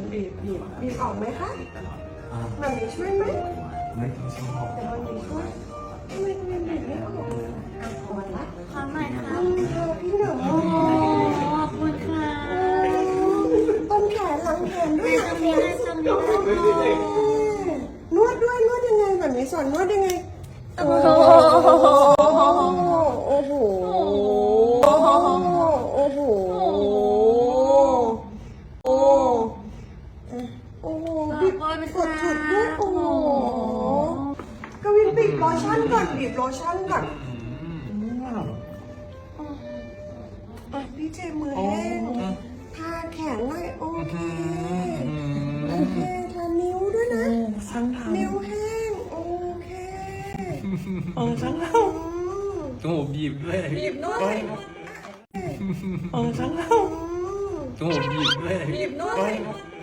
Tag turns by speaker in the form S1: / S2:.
S1: บีบออกไหมคะมันมีช่วยไหม
S2: ไม่ต้องชอบ
S1: แต่มันมีช่วยทำไมบีบไม่ออกพอละ
S3: ขอหน่อยค่ะ
S1: พี่หนู
S3: ขอบคุณค่ะ
S1: ต้นแขนหลังแขนด้วย
S3: ตรงนี้เลยตรงนี้เลย
S1: นวดด้วยนวดยังไงแบบนี้สอนนวดยังไงโอ้โหโอ้โหโอ้โหโอ้โหโอ้โหบีบกดจุดด้วยโอ้โหกวินบีบโลชั่นก่อนบีบโลชั่นก่อนพี่เจมือแห้งทาแขนหน่อยโอเคโอเคทานิ้วด้วยนะนิ้วแห้งโอเคช่างเรา
S2: จมูกบีบด้วย
S1: บีบนวด
S2: ช่างเราจมูกบีบด้วย
S1: บีบนวด